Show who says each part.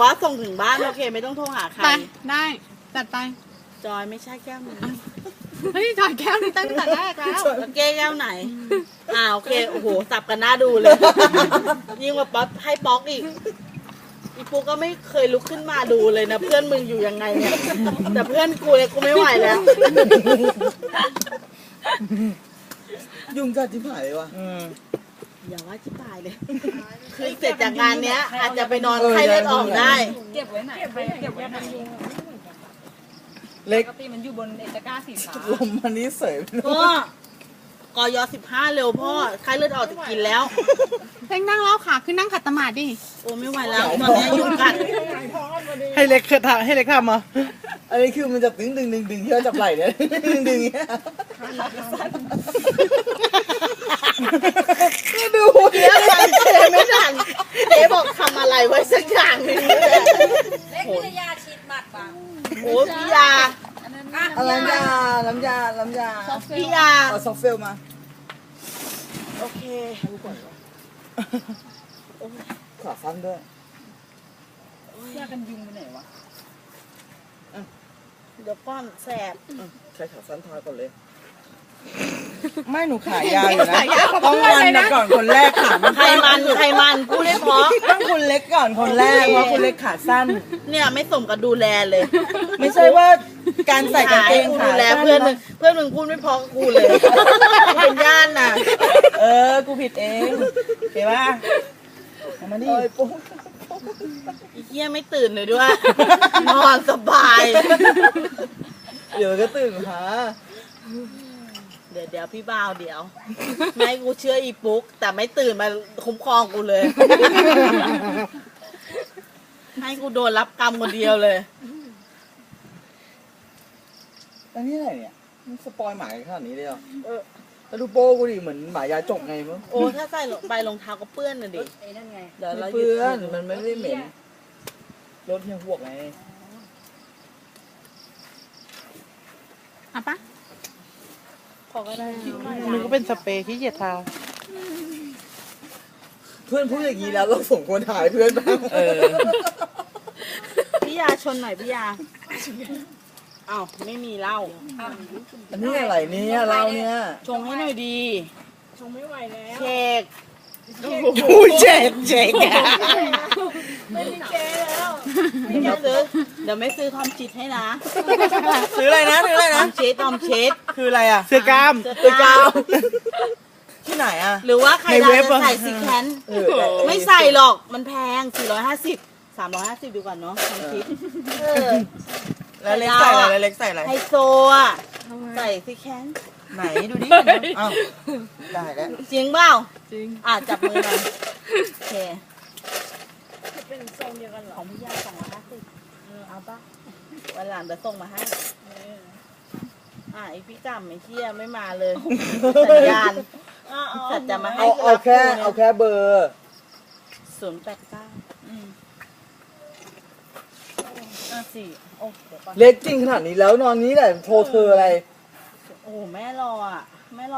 Speaker 1: ว่าส่งถึงบ้านโอเคไม่ต้องโทรหาใคร
Speaker 2: ไปได้จัดไป
Speaker 1: จอยไม่ใช่แก้วนี้
Speaker 2: เฮ้ยจอยแก้วนี่ตั้งแต่แรกแล้ว
Speaker 1: แล้วแก้วไหนโอเคโอ้โหสับกันหน้าดูเลย ยิ่งกว่าป๊อปให้ป๊อกอีกอีปูก็ไม่เคยลุกขึ้นมาดูเลยนะเพื่อนมึงอยู่ยังไงเนี่ยแต่เพื่อนกูเนี่ยกูไม่ไหวแล้ว
Speaker 3: ยุงกัดที่ผายเลยวะ
Speaker 1: อย่าว่าชิบหายเลย คือเสร็จจากงานเนี้ย อาจจะไปนอนไข้เลือดออกได้
Speaker 4: เก็บไว้ไหนใครเก็บไว้ไหน
Speaker 3: เล็
Speaker 4: ป
Speaker 3: ก
Speaker 4: กติมันอยู่บนตะกร้าสีฟ้า
Speaker 3: ลมมันนี้เสยไป
Speaker 1: พ่อกย15เร็วพ่อไข้เลือดออกจะกินแล้ว
Speaker 2: เพ่งนั่งเล้าขาขึ้นนั่งขัดสมาธิดิ
Speaker 1: โอ้ไม่ไหวแล้วตอนนี้ยุงกัด
Speaker 5: ให้เล็กทำให้เล็กทำมา
Speaker 3: อันนี้คือมันจะดึงที่เราจับไหล่เนี่ยดึงเงี้ยดู
Speaker 1: เดี๋ยวทันเจไม่ทันเจ๊บอกทำอะไรไว้สักอย่างหนึงเลย
Speaker 4: เล็กพิทยาชีดบัตรบ้าง
Speaker 1: โอ้พี่ยา
Speaker 3: อะไรน้ำยา
Speaker 1: พี่ยา
Speaker 3: เอาซอฟเฟลมา
Speaker 1: โอเค
Speaker 3: ขาสั้นด้วย
Speaker 4: ยากันยุงไปไหนวะ
Speaker 1: เดี๋ยวก้อนแสบ
Speaker 3: ใช้ขาสั้นทาก่อนเลย ไม่หนูขายาวอยู่นะต้องวันนะก่อนคนแรกขามัน
Speaker 1: ไขมันพูดได้เพราะ
Speaker 3: ต้องคุณเล็กก่อนคนแรกเพราะคุณเล็กขาสั้น
Speaker 1: เนี่ยไม่สมกับดูแลเลย
Speaker 3: ไม่ใช่ว่าการใส่กางเกง
Speaker 1: กู
Speaker 3: ขา
Speaker 1: ดูแล
Speaker 3: สั้น
Speaker 1: เพื่อนมึงพูดไม่เพอกับกูเลยเป็นญาติน่ะ
Speaker 3: กูผิดเองเห็นป่ะเอามาดิ
Speaker 1: อีเหี้ยไม่ตื่นเลยด้วย นอนสบาย
Speaker 3: เดี๋ยวก็ตื่นหา
Speaker 1: เดี๋ยวพี่บ่าวเดี๋ยวไม่กูเชื่ออีปุ๊ก แต่ไม่ตื่นมาคุ้มครองกูเลย ให้กูโดนรับกรรมคนเดียวเลย
Speaker 3: อันนี้อะไรเนี่ยมันสปอยหมาขนาดนี้เลยเหรอแล้วดูโป้กูดิเหมือนหมายาจกไงมั้ง
Speaker 1: โอ้ถ้าใส่ใบรองเท้าก็เปื้อนน่ะดิ
Speaker 4: ไอ้นั่นไง
Speaker 1: เดี๋ยวเรา
Speaker 3: เพื่อนมันไม่ได้เหม็นรถเฮียหวกไง
Speaker 2: เอาปะ
Speaker 1: ขอก็ได้
Speaker 5: มันก็เป็นสเปรย์ที่เหยียดทา
Speaker 3: เพื่อนพูดอย่างนี้แล้วเราส่งคนถ่ายเพื่อนบ้าง
Speaker 1: พี่ยาชนหน่อยพี่ยาอ้าวไม่มีเหล้า
Speaker 3: อันนี้อะไรเนี่ยเราเนี่ย
Speaker 1: ชงให้หน่อยดี
Speaker 4: ชงไม่ไหวแล้ว
Speaker 1: เค้ก
Speaker 5: อุ้ยเจ็บ
Speaker 4: ไม่มีเจแล้ว
Speaker 1: เดี๋ยวไม่ซื้อทอมชิดให้นะ
Speaker 3: ซื้ออะไรนะ
Speaker 1: ทอมชิด
Speaker 3: คืออะไรอ่ะ
Speaker 5: เสื้อกล้าม
Speaker 1: เสื้อกาว
Speaker 3: ที่ไหนอ่ะ
Speaker 1: หรือว่าใคร
Speaker 5: ใน
Speaker 1: จะ
Speaker 5: เว็บอะ
Speaker 1: ใส่ซีแคน ไม่ใส่หรอกมันแพง 450 350ดีกว่าเนาะทอมชิด
Speaker 3: แล้วเล็กใส่อะไรเล็กใส่อะไร
Speaker 1: ไฮโซอ่ะใส่ซีแคน
Speaker 3: ไหนดูดิอ้าวได้แล้ว
Speaker 1: จริงเปล่าจริงจับมือหน่อยโอเค
Speaker 4: เป็นทรงเดียวกันเหรอ
Speaker 1: ของพี่ยา250เอาปะวันหลังเดี๋ยวส่งมาให้ไอพี่จำไอ้เที่ยไม่มาเลยสัญญาณสัตว์จะมาให้
Speaker 3: เอาแค่เบอร์
Speaker 1: 0894โอ้เดี๋ยวก่อน
Speaker 3: เล็กจริงขนาดนี้แล้วนอนนี้แหละโทรเธออะไร
Speaker 1: โอ้แม่รออ่ะแม่รอ